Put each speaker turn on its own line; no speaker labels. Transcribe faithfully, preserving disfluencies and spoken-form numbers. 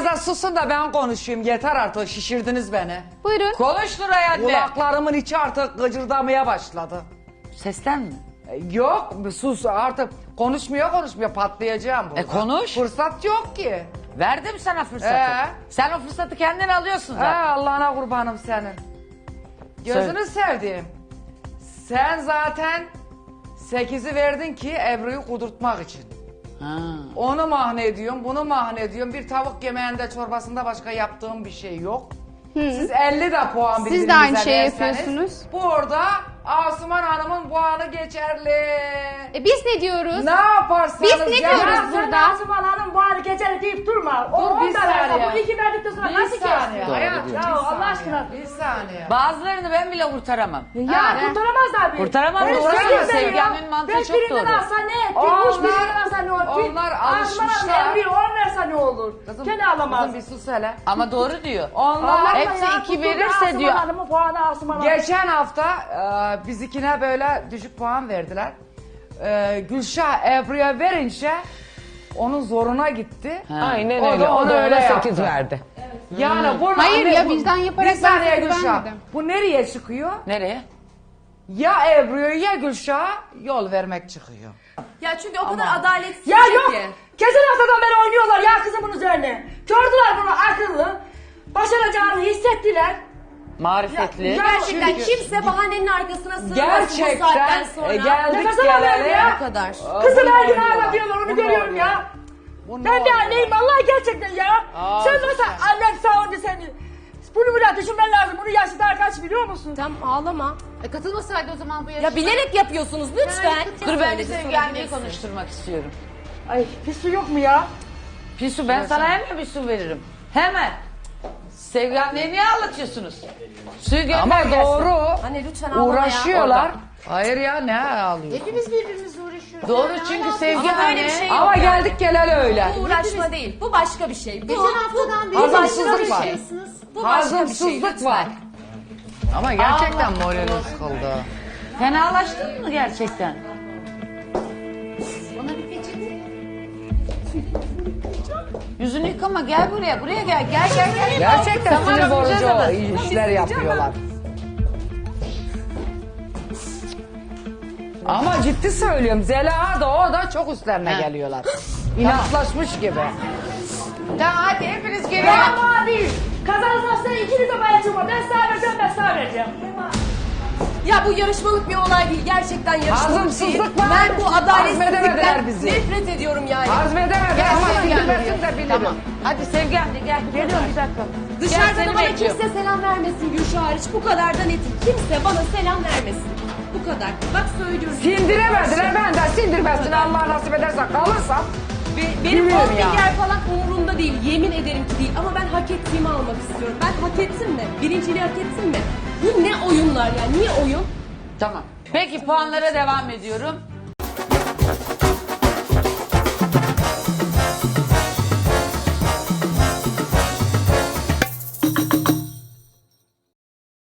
da susun da ben konuşayım. Yeter artık, şişirdiniz beni.
Buyurun.
Konuş Nuray anne.
Kulaklarımın içi artık gıcırdamaya başladı.
Sesten mi?
E, Yok sus artık, konuşmuyor konuşmuyor, patlayacağım burada.
E, konuş.
Fırsat yok ki.
Verdim sana fırsatı.
Ee?
Sen o fırsatı kendin alıyorsun
He,
zaten.
Allah'ına kurbanım senin. Gözünü sevdiğim. Sen zaten sekizi verdin ki Ebru'yu kudurtmak için.
Ha.
Onu mahne ediyorum, bunu mahne ediyorum. Bir tavuk yemeğinde, çorbasında başka yaptığım bir şey yok. Siz elli de puan
Siz
birbirinize
de aynı şeyi
verseniz,
yapıyorsunuz.
burada Asuman Hanım'ın puanı geçerli.
E biz ne diyoruz?
Ne yaparsanız
Biz ne
yapın.
diyoruz
Sen
burada?
Asuman Hanım bu hali geçer deyip durma. O
Dur,
on
bir
da verse,
saniye.
bu iki verdikten sonra
Bir
nasıl
saniye
geçti?
hayatım,
Ya
bir
Allah
saniye,
aşkına.
Bir saniye.
Bazılarını ben bile kurtaramam.
Ya
Ha.
kurtaramazlar beni.
Kurtaramaz,
Ben
doğru
sekiz
söylüyor.
veriyorum.
Sevgi mantığı
Beş
çok
birinden
doğru.
alsa ne etti?
Onlar-
Üç birinden alsa ne olur?
onlar
Asuman
alışmışlar.
Hanım Emre'ye on verse ne olur?
Kızım,
Gene alamaz.
kızım bir sus hele.
Ama doğru diyor.
Onlar
Allah
hepsi
ya,
iki
tuttu
verirse
Asuman
diyor.
Hanım'ın puanı Asuman Hanım.
Geçen hafta e, bizikine böyle düşük puan verdiler. E, Gülşah Ebru'ya verince onun zoruna gitti.
Aynen
O da
öyle. O
onu
da
öyle
öyle
yaptı.
sekiz verdi.
Yani bu
Hayır ya,
bu-
vicdan yaparak
Bir saniye
ben sekiz
Gülşah.
vermedim.
Bu nereye çıkıyor?
Nereye?
Ya Ebru'ya ya Gülşah'a yol vermek çıkıyor.
Ya çünkü o kadar adaletsiz
Ya yok.
ki.
Geçen haftadan beri oynuyorlar ya kızım bunun üzerine. Gördüler bunu akıllı. Başaracağını hissettiler.
Marifetli.
Ya-
Gerçekten
Çünkü-
kimse bahanenin arkasına sığmasın bu
Gerçekten
saatten sonra.
e, geldik
Nefes alamıyorum
geleli.
ya.
Bu kadar.
Aa,
Kızım
bunu
her gün
oynuyorlar.
ağlatıyorlar onu
Bunu
görüyorum
oynuyorlar.
ya.
Bunu
Ben bir
oynuyorlar.
anneyim vallahi gerçekten ya.
Aa,
Sen
güzel.
nasıl annen sağınca seni. Bunu bile düşünmen lazım. Bunun yaşı daha kaç biliyor musun?
Tamam ağlama.
E katılmasaydı o zaman bu yarışma.
Ya bilerek yapıyorsunuz lütfen.
Dur ben de
Söyledi,
Sevgi anneyi
sorabilirsin.
konuşturmak istiyorum.
Ay bir su yok mu ya?
Pisu ben sana hemen bir su veririm. Hemen. Sevgi anneyi niye anlatıyorsunuz? Suyu gönder
Ama
gelsin.
doğru.
Anne lütfen ağlama
Uğraşıyorlar.
Orada.
Hayır ya, ne ağlıyor?
Hepimiz birbirimizle uğraşıyoruz.
Doğru
Ya,
çünkü
ne
Sevgi
Ama böyle
anne.
bir şey yok
Ama
yani.
geldik geleli öyle.
Bu uğraşma değil. Bu başka bir şey. Bu,
Geçen haftadan beri
Hazımsızlık
başka
var.
bir şeysiniz.
bu başka bir şey.
Hazımsızlık
Lütfen.
var. Ama gerçekten moralim sıkıldı.
Fenalaştın mı gerçekten?
Bana bir peçete.
Yüzünü yıkama gel buraya. Buraya gel. Gel gel gel.
Gerçekten
Tamam,
sinir bozucu
yapacağız ama.
işler yapıyorlar. Ama ciddi söylüyorum, Zeliha da o da çok üstlerine
Ha.
geliyorlar. İnatlaşmış gibi.
Tamam hadi hepiniz gelin.
Ya bana değil. Kazanırsan ikiniz de bana çıkma. Ben sana vereceğim ben sana vereceğim.
Ya bu yarışmalık bir olay değil. Gerçekten yarışmalık değil.
Hazımsızlık var.
Ben bu
Hazmedemediler
adaletsizlikten
bizi.
nefret ediyorum yani.
Hazmedemedi
Gel,
ama
gel, gel.
sindirmesin de bilirim.
Tamam. Hadi Sevgi anne gel. Geliyorum bir dakika. Gel,
Dışarıda
seni
da bana
bekliyorum.
kimse selam vermesin Gülşah hariç. Bu kadar da netim. Kimse bana selam vermesin. Bu kadar. Bak söylüyorum.
Sindiremediler, ben de sindirmesin, Allah nasip ederse kalırsam.
Be- benim
Biliyorum
on
ya.
milyar falan umurumda değil. Yemin ederim ki değil. Ama ben hak ettiğimi almak istiyorum. Ben hak ettim mi? Birinciliği hak ettim mi? Bu ne oyunlar ya? Niye oyun?
Tamam. Peki puanlara devam ediyorum.